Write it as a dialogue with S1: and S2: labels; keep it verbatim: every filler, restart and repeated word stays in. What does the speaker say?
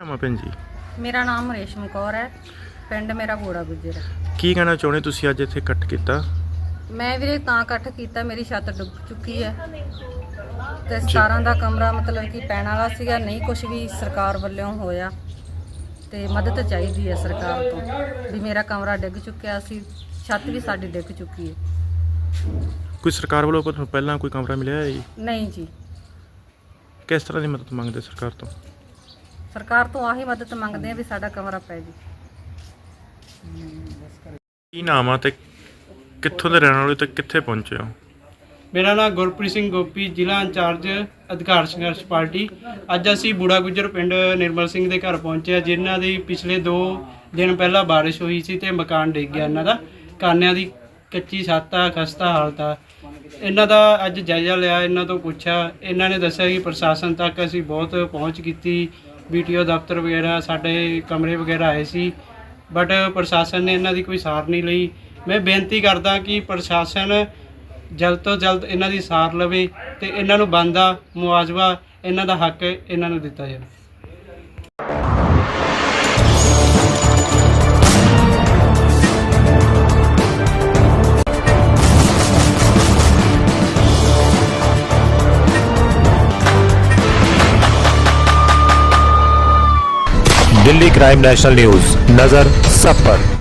S1: ਨਾਮ ਆ ਭੈਣ ਜੀ?
S2: ਮੇਰਾ ਨਾਮ ਰੇਸ਼ਮ ਕੌਰ ਹੈ। ਪਿੰਡ ਮੇਰਾ ਬੂੜਾ ਗੁੱਜਰ ਹੈ।
S1: ਕੀ ਕਹਿਣਾ ਚਾਹੁੰਦੇ ਤੁਸੀਂ ਅੱਜ ਇੱਥੇ ਇਕੱਠ ਕੀਤਾ?
S2: ਮੈਂ ਵੀਰੇ ਤਾਂ ਇਕੱਠ ਕੀਤਾ, ਮੇਰੀ ਛੱਤ ਡੁੱਬ ਚੁੱਕੀ ਹੈ ਤੇ ਸਤਾਰਾਂ ਦਾ ਕਮਰਾ ਮਤਲਬ ਕਿ ਪੈਣ ਵਾਲਾ ਸੀਗਾ, ਨਹੀਂ ਕੁਝ ਵੀ ਸਰਕਾਰ ਵੱਲੋਂ ਹੋਇਆ ਤੇ ਮਦਦ ਚਾਹੀਦੀ ਹੈ ਸਰਕਾਰ ਤੋਂ ਵੀ ਮੇਰਾ ਕਮਰਾ ਡਿੱਗ ਚੁੱਕਿਆ ਸੀ, ਛੱਤ ਵੀ ਸਾਡੀ ਡਿੱਗ ਚੁੱਕੀ ਹੈ।
S1: ਕੋਈ ਸਰਕਾਰ ਵੱਲੋਂ ਤੁਹਾਨੂੰ ਪਹਿਲਾਂ ਕੋਈ ਕਮਰਾ ਮਿਲਿਆ ਹੈ ਜੀ?
S2: ਨਹੀਂ ਜੀ।
S1: ਕਿਸ ਤਰ੍ਹਾਂ ਦੀ ਮਦਦ ਮੰਗਦੇ ਸਰਕਾਰ ਤੋਂ?
S2: ਸਰਕਾਰ ਤੋਂ ਆਹੀ ਮਦਦ ਮੰਗਦੇ ਆ ਵੀ ਸਾਡਾ ਕਮਰਾ ਪੈ ਜੀ।
S1: ਕੀ ਨਾਮ ਆ ਤੇ ਕਿੱਥੋਂ ਦੇ ਰਹਿਣ ਵਾਲੇ ਤੇ ਕਿੱਥੇ ਪਹੁੰਚੇ ਹੋ?
S3: ਮੇਰਾ ਨਾਮ ਗੁਰਪ੍ਰੀਤ ਸਿੰਘ ਗੋਪੀ, ਜ਼ਿਲ੍ਹਾ ਇੰਚਾਰਜ ਅਧਿਕਾਰ ਸੰਘਰਸ਼ ਪਾਰਟੀ। ਅੱਜ ਅਸੀਂ ਬੂੜਾ ਗੁੱਜਰ ਪਿੰਡ ਨਿਰਮਲ ਸਿੰਘ ਦੇ ਘਰ ਪਹੁੰਚੇ, ਜਿਨ੍ਹਾਂ ਦੀ ਪਿਛਲੇ ਦੋ ਦਿਨ ਪਹਿਲਾਂ ਬਾਰਿਸ਼ ਹੋਈ ਸੀ ਤੇ ਮਕਾਨ ਡਿੱਗ ਗਿਆ ਇਹਨਾਂ ਦਾ। ਕਾਨਿਆਂ ਦੀ ਕੱਚੀ ਛੱਤ ਆ, ਖਸਤਾ ਹਾਲਤ ਆ। ਇਹਨਾਂ ਦਾ ਅੱਜ ਜਾਇਜ਼ਾ ਲਿਆ, ਇਹਨਾਂ ਤੋਂ ਪੁੱਛਿਆ। ਇਹਨਾਂ ਨੇ ਦੱਸਿਆ ਕਿ ਪ੍ਰਸ਼ਾਸਨ ਤੱਕ ਅਸੀਂ ਬਹੁਤ ਪਹੁੰਚ ਕੀਤੀ, ਬੀ ਟੀ ਓ ਦਫ਼ਤਰ ਵਗੈਰਾ, ਸਾਡੇ ਕਮਰੇ ਵਗੈਰਾ ਆਏ ਸੀ, ਬਟ ਪ੍ਰਸ਼ਾਸਨ ਨੇ ਇਹਨਾਂ ਦੀ ਕੋਈ ਸਾਰ ਨਹੀਂ ਲਈ। ਮੈਂ ਬੇਨਤੀ ਕਰਦਾ ਕਿ ਪ੍ਰਸ਼ਾਸਨ ਜਲਦ ਤੋਂ ਜਲਦ ਇਹਨਾਂ ਦੀ ਸਾਰ ਲਵੇ ਤੇ ਇਹਨਾਂ ਨੂੰ ਬਣਦਾ ਮੁਆਵਜ਼ਾ, ਇਹਨਾਂ ਦਾ ਹੱਕ ਇਹਨਾਂ ਨੂੰ ਦਿੱਤਾ ਜਾਵੇ।
S4: दिल्ली क्राइम नेशनल न्यूज, नजर सब पर।